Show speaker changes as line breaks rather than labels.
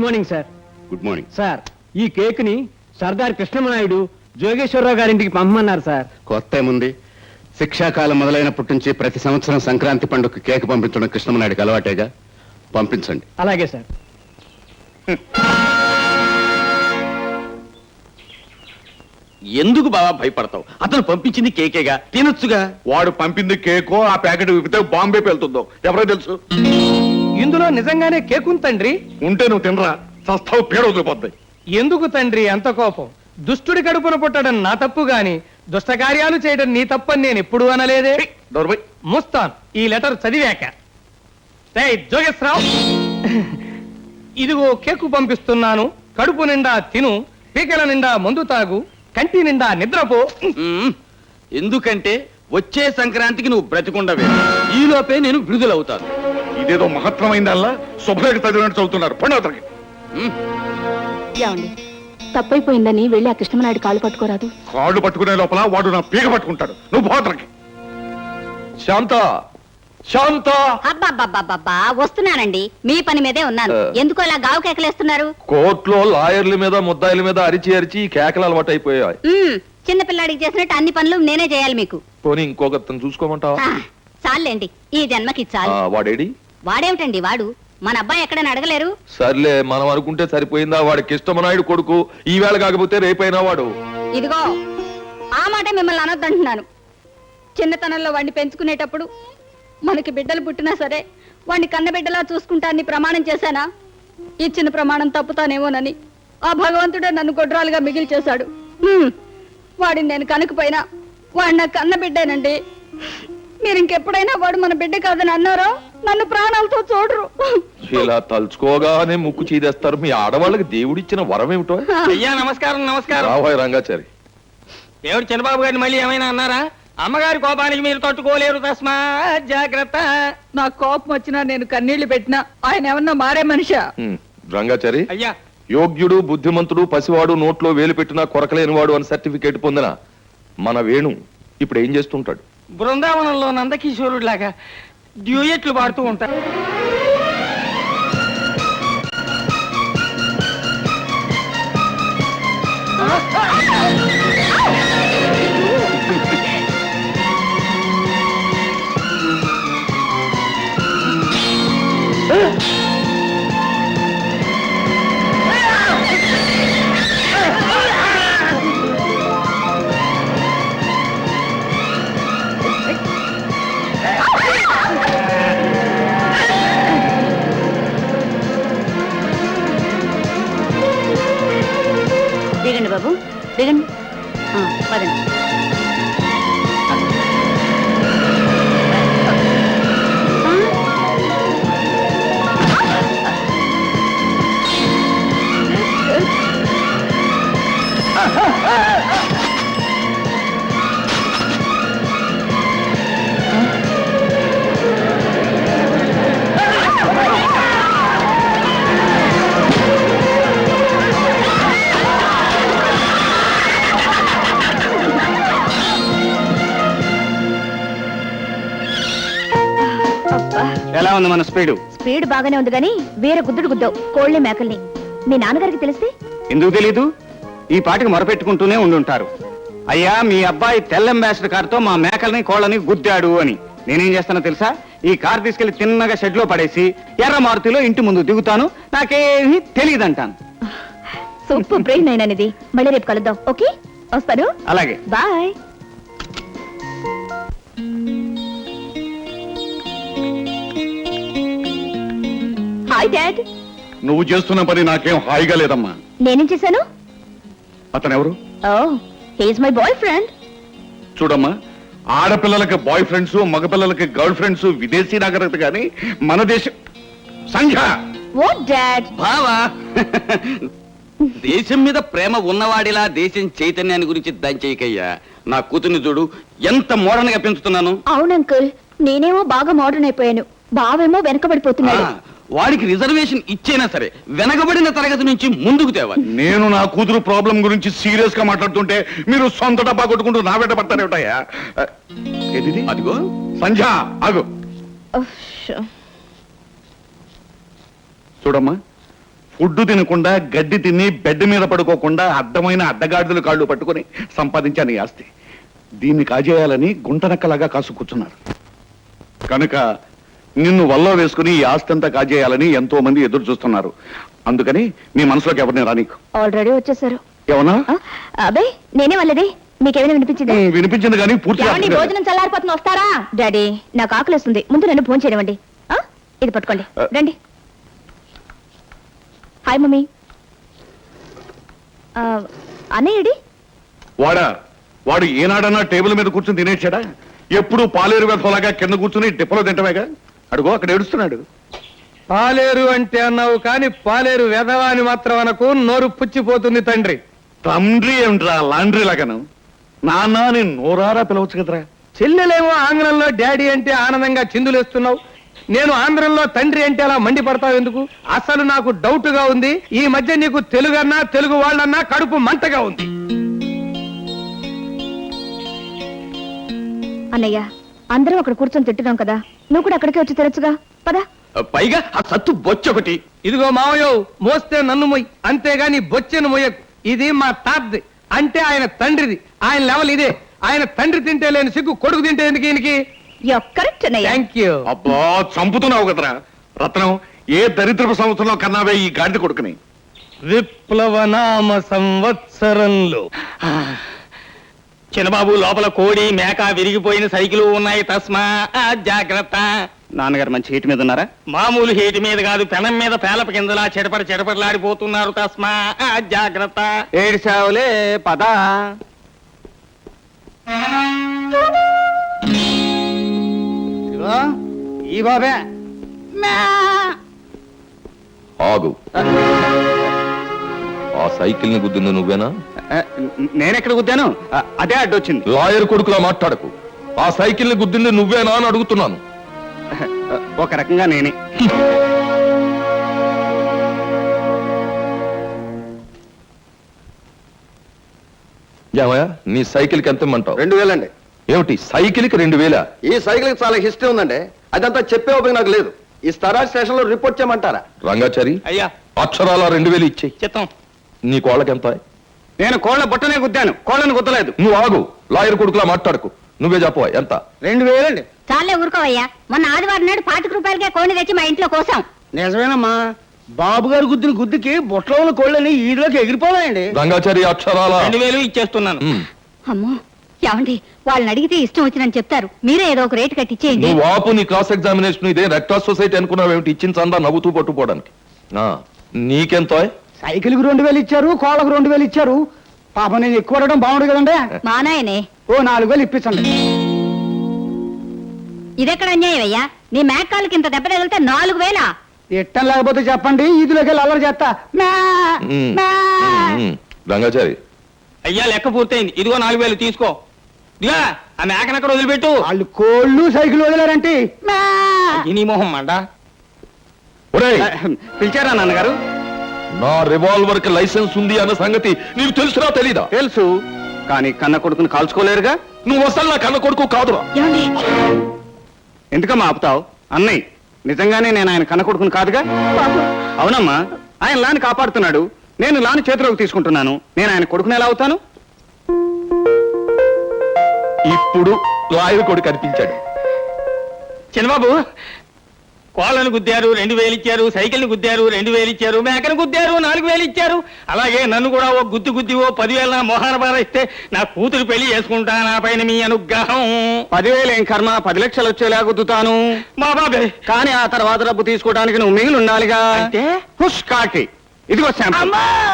Morning sir.
Good morning
sir, ఈ cake ని సర్దార్ కృష్ణమనాయుడు జోగేశ్వరరావు గారింటికి పంపమన్నారు సార్.
కొత్త ఏముంది? శిక్షాకాలం మొదలైనప్పటి నుంచి ప్రతి సంవత్సరం సంక్రాంతి పండుగ కేక్ పంపించడం కృష్ణమనాయుడికి అలవాటేగా. పంపించండి.
అలాగే సార్.
ఎందుకు బావా భయపడతావు? అతను పంపించింది కేకేగా, తినొచ్చుగా.
వాడు పంపింది కేకో ఆ ప్యాకెట్ విప్పితే బాంబే వెళ్తుందో ఎవరో తెలుసు.
ఇందులో నిజంగానే కేక్ ఉంది తండ్రి.
ఉంటే నువ్వు తినరా, సస్తావు పేడ వదిలిపోతాయి.
ఎందుకు తండ్రి అంత కోపం? దుష్టుడి కడుపున పుట్టడం నా తప్పు గాని దుష్ట కార్యాలు చేయడం నీ తప్పని నేను ఎప్పుడూ అనలేదే. ముస్తాన్ ఈ లెటర్ చదివాక. జోగేశ్వరరావు, ఇదిగో కేకు పంపిస్తున్నాను. కడుపు నిండా తిను, పీకల నిండా మందు తాగు, కంటి నిండా నిద్రపో.
ఎందుకంటే వచ్చే సంక్రాంతికి నువ్వు బ్రతికుండవే, ఈలోపే నేను విడుదలవుతాను.
ఇదేదో మహత్తరమైందల్లా శుభ్రేఖ చదివినట్టు చదువుతున్నారు. పండుగ
ఏమండి, తప్పైపోయిందని వెళ్ళి ఆ కృష్ణమనాయుడు కాళ్ళు పట్టుకోరాదు?
కాళ్ళు పట్టుకునే లోపల వాడు నా పీక పట్టుకుంటాడు. నువ్వు పోతలకి. శాంత శాంత.
అబ్బా వస్తున్నానండి, మీ పని మీదే ఉన్నాను. ఎందుకు అలా గావు కేకలేస్తున్నారు?
కోర్టులో లాయర్ల మీద ముద్దాయిల మీద అరిచి అరిచి కేకలు అలవాటు అయిపోయాయి.
చిన్నపిల్లాడికి చేసినట్టు అన్ని పనులు నేనే చేయాలి మీకు.
పోనీ ఇంకొకరిని చూసుకోమంటావా?
చాలండి, ఈ జన్మకి చాలు.
వాడేడి?
వాడేమిటండి వాడు? మన అబ్బాయి ఎక్కడని అడగలేరు?
సర్లే, మనం అనుకుంటే సరిపోయిందా? వాడి కృష్ణమనాయుడు కొడుకు, ఈవేళ కాకపోతే రేపైనా వాడు.
ఇదిగో ఆ మాట మిమ్మల్ని అనొద్దంటున్నాను. చిన్నతనంలో వాడిని పెంచుకునేటప్పుడు మనకి బిడ్డలు పుట్టినా సరే వాడిని కన్నబిడ్డలా చూసుకుంటానని ప్రమాణం చేశానా? ఇచ్చిన ప్రమాణం తప్పుతానేమోనని ఆ భగవంతుడే నన్ను గొడ్రాలుగా మిగిల్చేశాడు. వాడిని నేను కనుకపోయినా వాడు నా కన్నబిడ్డేనండి. మీరు ఇంకెప్పుడైనా వాడు మన బిడ్డ కాదని అన్నారో నన్ను ప్రాణాలతో చూడరు.
ఇలా తలుచుకోగానే ముక్కు చీదేస్తారు. మీ ఆడవాళ్ళకి దేవుడిచ్చిన వరం ఏమిటో?
అయ్యా నమస్కారం. నమస్కారం.
రాబోయే రంగాచారి.
దేవుడు చంద్రబాబు గారిని మళ్ళీ ఏమైనా అన్నారా? అమ్మగారి కోపానికి మీరు తట్టుకోలేరు, తస్మా జాగ్రత్త.
నా కోపం వచ్చినా నేను కన్నీళ్లు పెట్టినా ఆయన ఏమన్నా మారే మనిషా?
రంగాచారి,
అయ్యా,
యోగ్యుడు, బుద్ధిమంతుడు, పసివాడు, నోట్లో వేలు పెట్టినా కొరకలేనివాడు అని సర్టిఫికేట్ పొందిన మన వేణు ఇప్పుడు ఏం చేస్తుంటాడు?
బృందావనంలో నందకిషోరుడు లాగా డ్యూయెట్లు పాడుతూ ఉంటారు.
దిగండి బాబు, దిగండి. పదండి.
ఎలా ఉంది మన స్పీడు?
స్పీడ్ బాగానే ఉంది గానీ వేరే గుద్దుడు గుద్దావు కోళ్ళని మేకల్ని. మీ నాన్నగారికి తెలిస్తే?
ఎందుకు తెలీదు? ఈ పాటికి మొరపెట్టుకుంటూనే ఉండుంటారు. అయ్యా, మీ అబ్బాయి తెల్ల అంబాసిడర్ కారుతో మా మేకల్ని కోళ్ళని గుద్దాడు అని. నేనేం చేస్తానో తెలుసా? ఈ కారు తీసుకెళ్లి తిన్నగా షెడ్ లో పడేసి ఎర్ర మారుతిలో ఇంటి ముందు దిగుతాను. నాకేమీ తెలియదంటాను.
సూపర్ బ్రెయిన్ అయినది. మళ్ళీ రేపు కలుద్దాం. ఓకే, వస్తాను.
అలాగే,
బాయ్. Hi dad.
నువ్వు చేస్తున్న పని నాకేం హాయిగా లేదమ్మా.
నేనేం చేశాను?
అతను ఎవరు?
ఓ, he is my boy friend.
చూడమ్మా, ఆడపిల్లలకి బాయ్ ఫ్రెండ్స్, మగపిల్లలకి గర్ల్ ఫ్రెండ్స్ విదేశీ నాగరికత గాని మన దేశం. సంఖ్య
వాట్ డాడ్?
బావా, దేశం మీద ప్రేమ ఉన్నవాడిలా దేశం చైతన్యాన్ని గురించి దంచేయకయ్యా. నా కూతుర్ని చూడు, ఎంత మోడర్న్ గా పెంచుతున్నాను.
అవును అంకుల్, నేనేమో బాగా మోడర్న్ అయిపోయాను. బావేమో వెనకబడిపోతున్నాడు.
వాడికి రిజర్వేషన్ ఇచ్చేనా సరే వెనకబడిన తరగతి నుంచి ముందుకు తేవాలి.
నేను నా కూతురు ప్రాబ్లం గురించి సీరియస్ గా మాట్లాడుతుంటే మీరు సొంత డబ్బా కొట్టుకుంటూ నా వెంట పడతారేమిటయ్యా? ఏది?
అదిగో
సంధ్య, ఆగు. చూడమ్మా, ఫుడ్ తినకుండా గడ్డి తిని బెడ్ మీద పడుకోకుండా అడ్డమైన అడ్డగాడిదలు కాళ్ళు పట్టుకొని సంపాదించాను ఈ ఆస్తి. దీన్ని కాజేయాలని గుంటనక్కలాగా కాసు కూర్చున్నారు. కనుక నిన్ను వల్ల వేసుకుని ఈ ఆస్తి అంతా కాజేయాలని ఎంతో మంది ఎదురు చూస్తున్నారు. అందుకని మీ మనసులోకి ఎవరిని రానీకు.
ఆల్రెడీ వచ్చేసారు.
ఏమన్నా
అబ్బాయి నేనే వాళ్ళది. మీకేమైనా వినిపించిందా?
వినిపించింది కానీ పూర్తిగా
ఏమండి,
అర్థం కాలేదు.
భోజనం చల్లారిపోతుంది, వస్తారా? డాడీ నాకు ఆకలిస్తుంది, ముందు నన్ను భోజనం చేయనివ్వండి. ఇది పట్టుకోండి, రండి. Hi mummy. అన్నయ్యడి
వాడు ఏనాడన్నా టేబుల్ మీద కూర్చుని తినేసాడా? ఎప్పుడు పాలేరు వెధలాగా కింద కూర్చుని డిప్పలో తింటమేగా. అడుగో అక్కడ ఏడుస్తున్నాడు.
పాలేరు అంటే అన్నావు కానీ పాలేరు వెధవా అని మాత్రం అనకు, నోరు పుచ్చిపోతుంది తండ్రి.
తండ్రి ఏమిట్రా లాండ్రీ లాగాను? నాన్న నేను నోరారా పిలవచ్చు కదరా.
చెల్లెలేమో ఆంగ్లంలో డాడీ అంటే ఆనందంగా చిందులేస్తున్నావు, నేను ఆంధ్రంలో తండ్రి అంటే అలా మండిపడతావు ఎందుకు? అసలు నాకు డౌట్ గా ఉంది. ఈ మధ్య నీకు తెలుగన్నా తెలుగు వాళ్ళన్నా కడుపు మంటగా ఉంది.
అన్నయ్య అందరం అక్కడ కూర్చొని తిట్టున్నాం కదా, నువ్వు కూడా అక్కడికే వచ్చి తినచ్చుగా, పదా.
పైగా ఆ సత్తు బొచ్చొకటి.
ఇదిగో మావయ్యో, మోస్తే నన్ను మొయ్యి, అంతేగాని బొచ్చెను మొయ్యకు. ఇది మా తాతది, అంటే ఆయన తండ్రిది. ఆయన లెవెల్ ఇదే. ఆయన తండ్రి తింటే లేని సిగ్గు కొడుకు తింటే ఎందుకు ఈయనకి?
కరెక్ట్ అన్నయ్య.
Thank you.
అబ్బా చంపుతున్నావు కదరా రత్నం. ఏ దరిద్రపు సంవత్సరంలో కన్నావే ఈ గాడిద కొడుకుని.
విప్లవనామ సంవత్సరంలో.
చిన్నబాబు, లోపల కోడి మేక విరిగిపోయిన సైకిల్ ఉన్నాయి, తస్మా జాగ్రత్త.
నాన్నగారు మంచి హీట్ మీద ఉన్నారా?
మామూలు హీటి మీద కాదు, పెనం మీద పేలప కిందలా చెడపడలాడిపోతున్నారు, తస్మా జాగ్రత్త.
ఏడిసావులే పద. ఈ బాబే
ఆగు. ఆ సైకిల్ ని గుద్దింది నువ్వేనా?
నేనెక్కడ గుద్దాను? అదే అడ్డొచ్చింది.
లాయర్ కొడుకులా మాట్లాడకు. ఆ సైకిల్ ని గుద్దింది నువ్వేనా అని అడుగుతున్నాను.
ఒక రకంగా నేనే.
ఏమయ్యా, నీ సైకిల్ కి ఎంత ఇమ్మంటావు?
2000 అండి.
ఏమిటి సైకిల్ కి 2000?
ఈ సైకిల్ కి చాలా హిస్టరీ ఉందండి. అదంతా చెప్పే ఓపిక నాకు లేదు. ఈ స్తరాజ్ స్టేషన్ లో రిపోర్ట్ చేయమంటారా?
రంగాచారి,
అయ్యా
అక్షరాల 2000 ఇచ్చేయి.
చిత్తం.
నీ కోళ్ళకి ఎంత?
నేను కోళ్ల బుట్టనే గుద్దాను, కోళ్ళను గుద్దలేదు.
నువ్వు ఆగు. లాయర్ కొడుకులా మాట్లాడకు. నువ్వే చెప్పవా ఎంత?
2000 అండి.
చాలే ఊరుకోవయ్యా. మొన్న ఆదివారం నాడు 25 రూపాయలకే కోడిని తెచ్చి మా ఇంట్లో కోసం.
నిజమేనమ్మా, బాబు గారు గుద్దిన గుద్దుకి బుట్టలో ఉన్న కోళ్ళని ఈడులోకి ఎగిరిపోవాలండి.
రంగాచారి అక్షరాల
2000 ఇచ్చేస్తున్నాను.
అమ్మో ఏమండి, వాళ్ళని అడిగితే ఇష్టం వచ్చినని చెప్తారు. మీరే ఏదో ఒక రేటు కట్టించేయండి.
నువ్వు ఆపు. నీ క్లాస్ ఎగ్జామినేషన్ ఇదే రెడ్ క్రాస్ సొసైటీ అనుకున్నావేమిటి? ఇచ్చిన చందా నవ్వుతూ పట్టుకోవడానికి. నీకెంతో?
సైకిల్ కు 2000 ఇచ్చారు, కోళ్ళకు 2000 ఇచ్చారు. పాప నేను ఎక్కువ అడగడం బాగుండు కదండి.
మా నాయనే
ఓ 4000 ఇప్పించండి.
ఇదెక్కడ అన్యాయం అయ్యా? నీ మేకాలకి ఇంత దెబ్బ తగిలితే 4000.
ఇట్టం లేకపోతే చెప్పండి, ఈదులోకి వెళ్ళి అల్లరి చేస్తా. మ్యా, మ్యా.
రంగాచారి,
అయ్యా లెక్క పూర్తయింది. ఇదిగో 4000 తీసుకో. ఇదిగా ఆ మేకనక్కడ వదిలిపెట్టు.
వాళ్ళు కోళ్ళు సైకిల్ వదిలేరంటే. మ్యా.
నీ మొహం మండ.
ఒరేయ్,
పిలిచారా నాన్నగారు?
నా రివాల్వర్ కి లైసెన్స్ ఉంది అన్న సంగతి నీకు తెలుసునా తెలీదా?
తెలుసు, కానీ కన్న కొడుకుని కాల్చుకోలేరుగా.
నువ్వు అసలు నా కన్న కొడుకు కాదురా.
ఏమండి
ఎందుకమ్మా ఆపుతావు? అన్నయ్య, నిజంగానే నేను ఆయన కన్న కొడుకుని కాదుగా. అవునమ్మా, ఆయన లాని కాపాడుతున్నాడు, నేను లాని చేతిలోకి తీసుకుంటున్నాను. నేను ఆయన కొడుకుని ఎలా అవుతాను?
ఇప్పుడు లాయర్ కొడుకు కనిపించాడు.
చిన్నబాబు, కోళ్ళను గుద్దారు 2000 ఇచ్చారు, సైకిల్ని గుద్దారు 2000 ఇచ్చారు, మేకను గుద్దారు 4000 ఇచ్చారు. అలాగే నన్ను కూడా ఓ గుద్ది ఓ 10,000 నా మొహాన బారిస్తే నా కూతురు పెళ్లి చేసుకుంటా. నా పైన మీ అనుగ్రహం.
10,000 ఏం కర్మ, 10 లక్షలు వచ్చేలా గుద్దుతాను.
మా బాబే.
కానీ ఆ తర్వాత డబ్బు తీసుకోవడానికి నువ్వు మిగిలి ఉండాలిగా.
అంటే
హుష్ కాకి. ఇదిగో శాంపుల్.